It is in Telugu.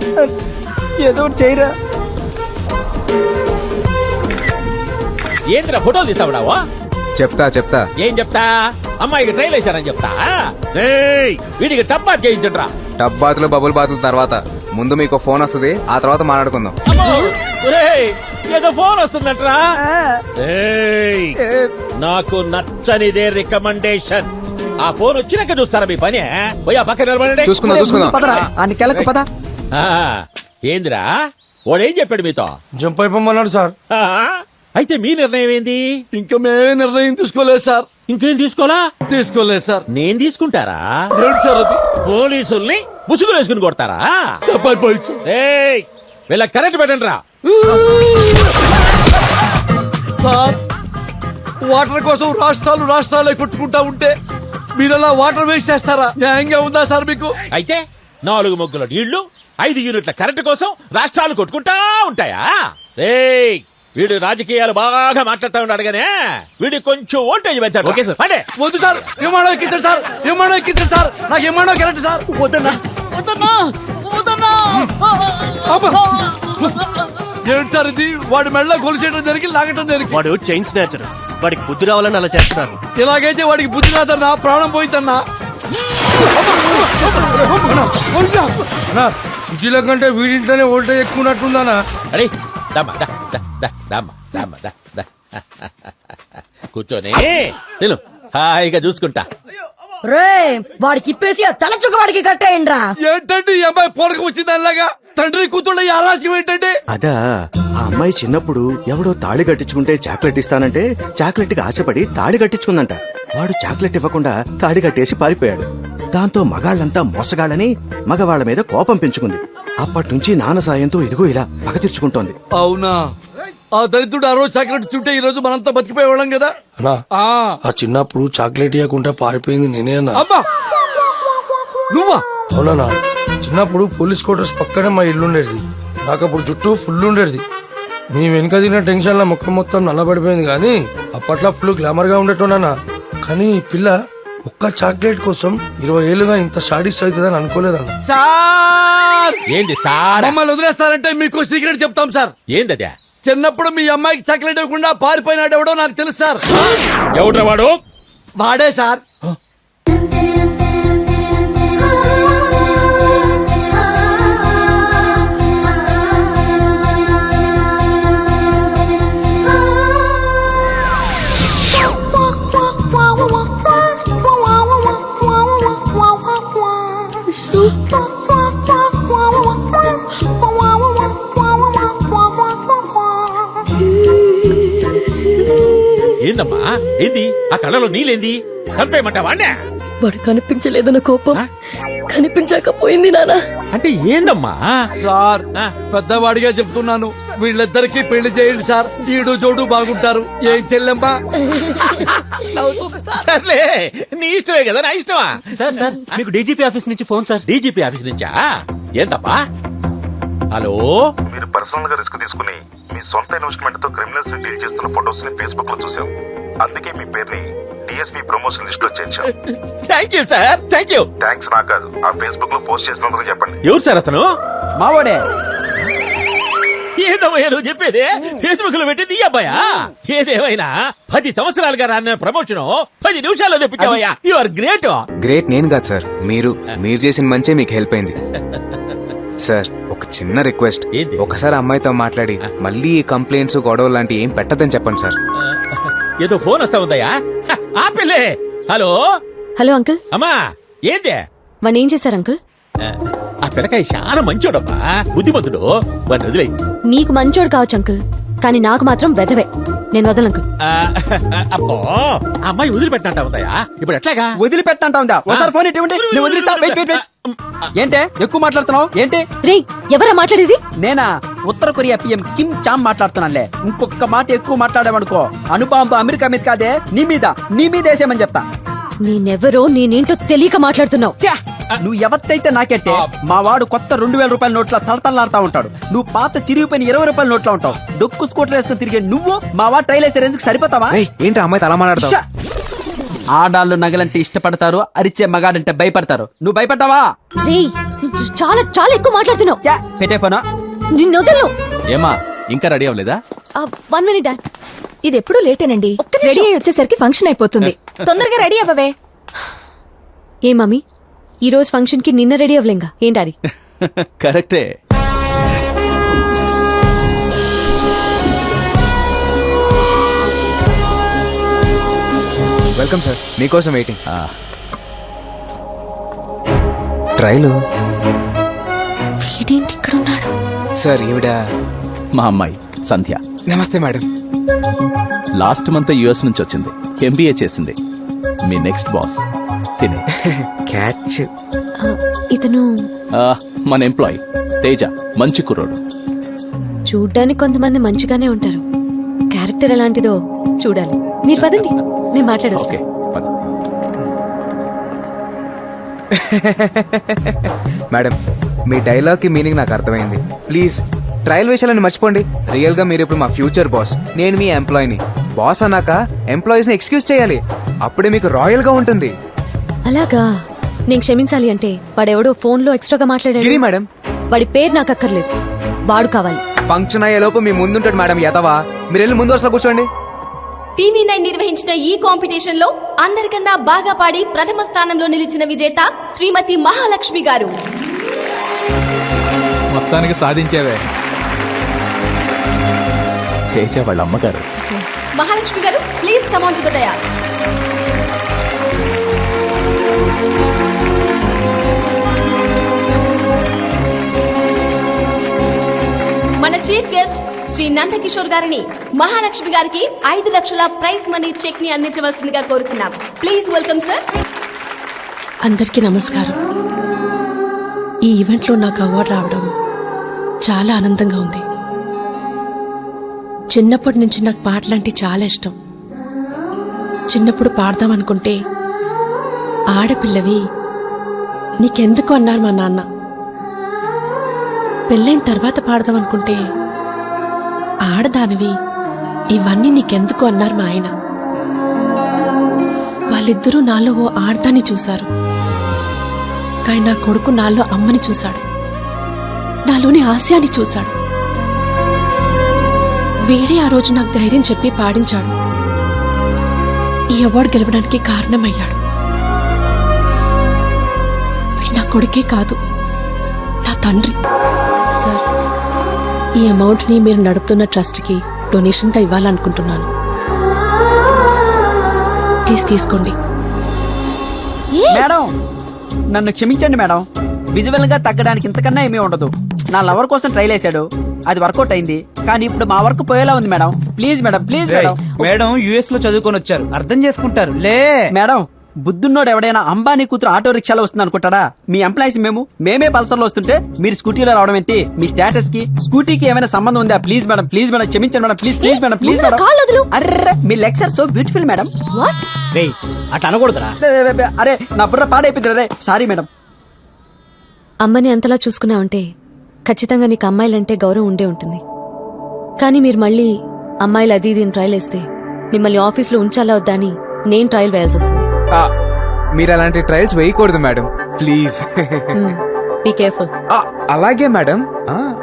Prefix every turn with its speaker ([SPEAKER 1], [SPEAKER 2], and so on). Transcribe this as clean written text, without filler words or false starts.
[SPEAKER 1] ఏదో చేయరా.
[SPEAKER 2] ఏంద్రా ఫోటోలు తీస్తావుడావా?
[SPEAKER 3] చెప్తా
[SPEAKER 2] ఏం చెప్తా? అమ్మాయికి ట్రైల్ వేశారని చెప్తా. వీడికి టప్ బాత్ చేయించండ్రా.
[SPEAKER 3] టబ్ బాతులు బబుల్ బాతుల తర్వాత ముందు మీకు ఫోన్ వస్తుంది, ఆ తర్వాత మాట్లాడుకుందాం.
[SPEAKER 2] ఏదో ఫోన్ వస్తుందట్రా. నాకు నచ్చనిదే రికమెండేషన్. ఆ ఫోన్ వచ్చినాక చూస్తారా మీ పని? పోయా పక్కన నిలబడండి.
[SPEAKER 3] చూసుకుందాం.
[SPEAKER 1] పదరా అని కెలకు పద.
[SPEAKER 2] ఏందిరా వాడేం చెప్పాడు మీతో?
[SPEAKER 4] జంప్ అయిపోమన్నాడు సార్.
[SPEAKER 2] అయితే మీ నిర్ణయం ఏంది?
[SPEAKER 4] ఇంకా మేమే నిర్ణయం తీసుకోలేదు సార్.
[SPEAKER 2] ఇంకేం తీసుకోలేదు
[SPEAKER 4] సార్.
[SPEAKER 2] నేను తీసుకుంటారా?
[SPEAKER 4] ఏంటి సార్ అది?
[SPEAKER 2] పోలీసుల్ని ముసుగులు వేసుకుని కొడతారా? వీళ్ళ కరెంట్ పెట్టండి రా.
[SPEAKER 4] సార్, వాటర్ కోసం రాష్ట్రాలే కొట్టుకుంటా ఉంటే మీరలా వాటర్ వేస్ట్ చేస్తారా? న్యాయంగా ఉందా సార్ మీకు?
[SPEAKER 2] అయితే 4 మొగ్గుల నీళ్లు 5 యూనిట్ల కరెంటు కోసం రాష్ట్రాలు కొట్టుకుంటా ఉంటాయా? వీడు రాజకీయాలు బాగా మాట్లాడుతూ ఉన్నాడు గానే వీడికి కొంచెం ఓల్టేజ్ పెంచాడు. Okay sir. అంటే
[SPEAKER 4] వద్దు సార్, విమానం ఎక్కించండి సార్, విమానం ఎక్కించండి సార్. నాకు విమానం కరెక్ట్ సార్. వద్దన్నా. ఏంటి సార్ ఇది? వాడి మెడలో గొలుసేయడం జరిగి లాగటం జరిగి.
[SPEAKER 5] వాడు చైన్ స్నాచర్. వాడికి బుద్ధి రావాలని అలా చేస్తున్నారు.
[SPEAKER 4] ఇలాగైతే వాడికి బుద్ధి రాదన్నా, ప్రాణం పోయిందన్నా. ఇంటిలో కంటే వీడింట్లోనే ఓల్టేజ్ ఎక్కువ ఉన్నట్టుందన్నా.
[SPEAKER 2] అరే కూర్చొని నేను హాయిగా చూసుకుంటా.
[SPEAKER 6] రే వాడికి ఇప్పేసి ఆ తలచుక్క వాడికి కట్టేయండి రా.
[SPEAKER 4] ఏంటంటే ఈ అమ్మాయి పోరక వచ్చింది అలాగా? తండ్రి కూతుళ్ళ ఈ ఆలస్యం ఏంటంటే?
[SPEAKER 5] అదా ఆ అమ్మాయి చిన్నప్పుడు ఎవడో తాళి కట్టించుకుంటే చాక్లెట్ ఇస్తానంటే చాక్లెట్ కి ఆశపడి తాళి కట్టించుకుందంట. వాడు చాక్లెట్ ఇవ్వకుండా తాళి కట్టేసి పారిపోయాడు. దాంతో మగాళ్ళంతా మోసగాళ్ళని మగవాళ్ల మీద కోపం పెంచుకుంది. అప్పటి నాన్న సాయంతో ఇదిగో ఇలా పగ తీర్చుకుంటోంది.
[SPEAKER 4] అవునా? ఆ దరిద్రుడు ఆ రోజు చాక్లెట్ చుట్టే ఈ రోజు మనంతా బతికిపోయేవాళ్ళం కదా.
[SPEAKER 7] ఆ చిన్నప్పుడు చాక్లెట్ ఇవ్వకుండా పారిపోయింది నేనే అన్నా.
[SPEAKER 4] అబ్బా నువ్వా?
[SPEAKER 7] అవునా? చిన్నప్పుడు పోలీస్ క్వార్టర్స్ పక్కనే మా ఇల్లు ఉండేది. నాకు అప్పుడు జుట్టు ఫుల్ ఉండేది. నీ వెనుక తిన్న టెన్షన్ లో ముఖం మొత్తం నల్లబడిపోయింది. కానీ అప్పట్లో ఫుల్ గ్లామర్ గా ఉండేటోనా. కానీ ఈ పిల్ల ఒక్క చాక్లెట్ కోసం 20 ఏళ్లుగా ఇంత షాడిస్ట్ అవుతుందని అనుకోలేదన్న.
[SPEAKER 4] సార్
[SPEAKER 2] ఏంది సార్?
[SPEAKER 4] మమ్మల్ని వదిలేస్తారంటే మీకు సీక్రెట్ చెప్తాం సార్.
[SPEAKER 2] ఏందదే?
[SPEAKER 4] చిన్నప్పుడు మీ అమ్మాయికి చాక్లెట్ ఇవ్వకుండా పారిపోయినాడు ఎవడో నాకు తెలుసు సార్.
[SPEAKER 2] ఎవడ్రా వాడు?
[SPEAKER 4] వాడే సార్.
[SPEAKER 2] ఏందమ్మా ఏంది? ఆ కళ్ళలో నీళ్ళేంది? చంపేయమంటావా?
[SPEAKER 6] వాడు కనిపించలేదన్న కోపం కనిపించకపోయింది నాన్న.
[SPEAKER 2] అంటే ఏందమ్మా?
[SPEAKER 4] సార్ పెద్దవాడిగా చెప్తున్నాను, వీళ్ళిద్దరికి పెళ్లి చేయండి సార్. ఈడు జోడు బాగుంటారు. ఏం చెల్లెమ్మా?
[SPEAKER 2] సర్లే నీ ఇష్టమే కదా, నా ఇష్టమా?
[SPEAKER 5] సార్ సార్ మీకు డీజీపీ ఆఫీస్ నుంచి ఫోన్ సార్.
[SPEAKER 2] డీజీపీ ఆఫీస్ నుంచా? ఏందప్పా? హలో,
[SPEAKER 8] మీరు పర్సనల్ గా రిస్క్ తీసుకుని మీ సొంత ఇన్వెస్ట్మెంట్ తో క్రిమినల్స్ ని డీల్ చేస్తున్న ఫోటోస్ ని ఫేస్బుక్ లో చూసాం. అందుకే మీ పేరుని డిఎస్పీ ప్రమోషన్ లిస్ట్ లో చేర్చాం.
[SPEAKER 2] Thank you sir, thank you.
[SPEAKER 8] Thanks నాకు కాదు, ఆ ఫేస్బుక్ లో పోస్ట్ చేసినందుకు చెప్పండి.
[SPEAKER 2] ఎవరు సార్ అతను?
[SPEAKER 1] మావాడే.
[SPEAKER 2] ఏదమ్మయ్యా నువ్వు చెప్పేది? ఫేస్బుక్ లో పెట్టింది ఈ అబ్బాయా? ఏదేమైనా 10 సంవత్సరాలుగా రాన్న ప్రమోషన్ 10 నిమిషాల్లో తెప్పించావయ్యా. You are great.
[SPEAKER 3] గ్రేట్ నేను కాదు సార్, మీరు చేసిన మంచే మీకు హెల్ప్ అయింది సార్. ఒక చిన్న రిక్వెస్ట్, ఒకసారి అమ్మాయితో మాట్లాడి మళ్ళీ ఈ కంప్లైంట్స్ గొడవలు లాంటి ఏం పెట్టదని చెప్పండి సార్.
[SPEAKER 2] ఏదో ఫోన్ వస్తా ఉందయ్యా. ఆ పిల్లే. Hello
[SPEAKER 6] hello uncle.
[SPEAKER 2] అమ్మా ఏందే?
[SPEAKER 6] వాడిని ఏం చేశారు అంకుల్?
[SPEAKER 2] ఆ పిల్లకాయ చాలా మంచోడమ్మా, బుద్ధిమంతుడు. వాడిని వదిలే.
[SPEAKER 6] నీకు మంచోడు కావచ్చు అంకుల్, కానీ నాకు మాత్రం వెధవే. నేను వదలను అంకుల్.
[SPEAKER 2] అబ్బో అమ్మాయి వదిలిపెట్టినట్ట ఉందయ్యా. ఇప్పుడు ఎట్లాగా?
[SPEAKER 1] వదిలిపెట్టంటా ఉందా? ఒకసారి ఫోన్ ఇటువంటి నేను వదిలిస్తా. Wait wait wait. ఏంటే ఎక్కువ మాట్లాడుతున్నావు? ఏంటి?
[SPEAKER 6] రే ఎవరా మాట్లాడేది?
[SPEAKER 1] నేనా? ఉత్తర కొరియా పిఎం కిమ్ చామ్ మాట్లాడుతున్నానులే. ఇంకొక మాట ఎక్కువ మాట్లాడామనుకో అణుబాంబు అమెరికా మీద కాదే నీ మీద వేసేయమని చెప్తా.
[SPEAKER 6] నేనెవరో నేనేంటో తెలియక మాట్లాడుతున్నావు.
[SPEAKER 1] నువ్వు ఎవరితైతే నాకెట్టే. మా వాడు కొత్త 2000 రూపాయల నోట్ల తలతల్లాడుతా ఉంటాడు. నువ్వు పాత చిరిగిపోయిన 20 రూపాయల నోట్లో ఉంటావు. డొక్కు స్కూటర్ వేసుకుని తిరిగే నువ్వు మా వాడు ట్రైల్ వేసే రేంజ్కి సరిపోతావా?
[SPEAKER 3] ఏంటి అమ్మాయితో అలా మాట్లాడతావు?
[SPEAKER 1] ఆడాళ్ళు నగలంటే ఇష్టపడతారు, అరిచే మగాడంటే భయపడతారు. నువ్వు భయపడ్డావా?
[SPEAKER 6] రే చాలా చాలా ఎక్కువ మాట్లాడుతున్నావు.
[SPEAKER 1] పెట్టే పోనా?
[SPEAKER 6] నిన్ను వదలను.
[SPEAKER 9] ఏమా ఇంకా రెడీ అవ్వలేదా?
[SPEAKER 6] 1 minute డాడ్.
[SPEAKER 10] ఇది ఎప్పుడు లేటేనండి. రెడీ అయ్యి వచ్చేసరికి ఫంక్షన్ అయిపోతుంది. తొందరగా రెడీ అవ్వవే.
[SPEAKER 6] ఏ మమ్మీ, ఈ రోజు ఫంక్షన్ కి నిన్న రెడీ అవ్వలేంగా? ఏం డాడీ?
[SPEAKER 9] కరెక్టే.
[SPEAKER 3] వెల్కమ్ సార్, మీకోసం వెయిటింగ్. ట్రైలు
[SPEAKER 6] వీడేంటి ఇక్కడ ఉన్నాడు?
[SPEAKER 3] సార్, ఈవిడ
[SPEAKER 9] మా అమ్మాయి సంధ్య.
[SPEAKER 3] నమస్తే మేడం.
[SPEAKER 9] లాస్ట్ మంత్ యుఎస్ నుంచి వచ్చింది, ఎంబీఏ చేసింది. మీ నెక్స్ట్ బాస్ తినే.
[SPEAKER 3] క్యాచ్.
[SPEAKER 6] ఇతను
[SPEAKER 9] మన ఎంప్లాయ్ తేజ, మంచి కుర్రోడు.
[SPEAKER 6] చూడ్డానికి కొంతమంది మంచిగానే ఉంటారు, క్యారెక్టర్ ఎలాంటిదో చూడాలి. మీరు పదండి, నేను మాట్లాడొస్తా.
[SPEAKER 9] ఓకే పద.
[SPEAKER 3] మేడం, మీ డైలాగ్ కి మీనింగ్ నాకు అర్థమైంది. ప్లీజ్ ట్రయల్ విషయాలను మర్చిపోండి. రియల్ గా మీరు ఇప్పుడు మా ఫ్యూచర్ బాస్, నేను మీ ఎంప్లాయీని. బాస్ అన్నాక ఎంప్లాయీస్ ని ఎక్స్క్యూజ్ చేయాలి, అప్పుడే మీకు రాయల్ గా ఉంటుంది.
[SPEAKER 6] అలాగా? నేను క్షమించాలి అంటే వాడెవడో ఫోన్ లో ఎక్స్ట్రాగా
[SPEAKER 3] గిరి
[SPEAKER 6] మాట్లాడాడు.
[SPEAKER 3] మేడం,
[SPEAKER 6] వాడి పేరు నాకు అక్కర్లేదు, వాడు కావాలి.
[SPEAKER 3] ఫంక్షన్ అయ్యే లోపు మీ ముందుంటాడు మేడం. యతవా, మీరు వెళ్ళి ముందు వరుసలో కూర్చోండి.
[SPEAKER 10] టీవీ9 నిర్వహించిన ఈ కాంపిటీషన్ లో అందరికన్నా బాగా పాడి ప్రథమ స్థానంలో నిలిచిన విజేత శ్రీమతి మహాలక్ష్మి గారు.
[SPEAKER 9] మొత్తానికి సాధించేవే. తేజ వాళ్ళ అమ్మగారు.
[SPEAKER 10] Mahalakshmi garu, please come on to the dais. మన చీఫ్ గెస్ట్ శ్రీ నందకిషోర్ గారిని మహాలక్ష్మి గారికి 5 లక్షల ప్రైజ్ మనీ చెక్ ని అందించవలసిందిగా కోరుతున్నాం. Please welcome sir.
[SPEAKER 11] అందరికీ నమస్కారం. ఈ ఈవెంట్ లో నాకు అవార్డు రావడం చాలా ఆనందంగా ఉంది. చిన్నప్పటి నుంచి నాకు పాటలంటే చాలా ఇష్టం. చిన్నప్పుడు పాడదాం అనుకుంటే ఆడపిల్లవి నీకెందుకు అన్నారు మా నాన్న. పెళ్ళైన తర్వాత పాడదాం అనుకుంటే ఆడదానివి ఇవన్నీ నీకెందుకు అన్నారు మా ఆయన. వాళ్ళిద్దరూ నాలో ఓ ఆడదాన్ని చూశారు, కానీ నా కొడుకు నాలో అమ్మని చూశాడు, నాలోని హాస్యాన్ని చూశాడు. వేడే ఆ రోజు నాకు ధైర్యం చెప్పి పాడించాడు. ఈ అవార్డు గెలవడానికి కారణమయ్యాడు. వీడు నా కొడుకే కాదు, నా తండ్రి. సార్, ఈ అమౌంట్ ని మీరు నడుపుతున్న ట్రస్ట్ కి డొనేషన్ గా ఇవ్వాలనుకుంటున్నాను. ప్లీజ్ తీసుకోండి.
[SPEAKER 1] మేడం, నన్ను క్షమించండి మేడం. విజువల్ గా తగ్గడానికి ఇంతకన్నా ఏమీ ఉండదు. నా లవర్ కోసం ట్రైల్ వేసాడు, అది వర్కౌట్ అయింది, కానీ ఇప్పుడు మా వర్క్ పోయేలా ఉంది madam. Please madam, please madam.
[SPEAKER 4] Madam US లో చదువుకొని వచ్చారు, అర్థం చేసుకుంటారు లే.
[SPEAKER 1] మేడం, బుద్ధున్నోడు ఎవడైనా అంబానీ కూతురు ఆటో రిక్షాలో వస్తుంది అనుకుంటాడా? మీ ఎంప్లాయీస్ మేమే పల్సర్ లో వస్తుంటే మీరు స్కూటీలో రావడం ఏంటి? మీ స్టేటస్ కి స్కూటీకి ఏమైనా సంబంధం ఉందా? ప్లీజ్ మేడం, ప్లీజ్ మేడం, క్షమించండి madam. Please please madam, please madam. అర్రే, మీ లెక్చర్ సో బ్యూటిఫుల్ మేడం.
[SPEAKER 4] అట్లా అనకూడదురా.
[SPEAKER 1] అరే, నా బుర్ర పాడైపోయింది. అరే సారీ మేడం.
[SPEAKER 6] అమ్మని అంతలా చూసుకున్నావంటే ఖచ్చితంగా నీకు అమ్మాయిలంటే గౌరవం ఉండే ఉంటుంది. కానీ మీరు మళ్ళీ అమ్మాయిలు అది ఇది ట్రయల్ వేస్తే మిమ్మల్ని ఆఫీస్లో ఉంచాలా వద్దా అని నేను ట్రయల్ వేయాల్సి వస్తుంది.
[SPEAKER 3] మీరు అలాంటి ట్రయల్స్ వేయకూడదు మేడం, ప్లీజ్.
[SPEAKER 6] Be careful.
[SPEAKER 3] అలాగే మేడం.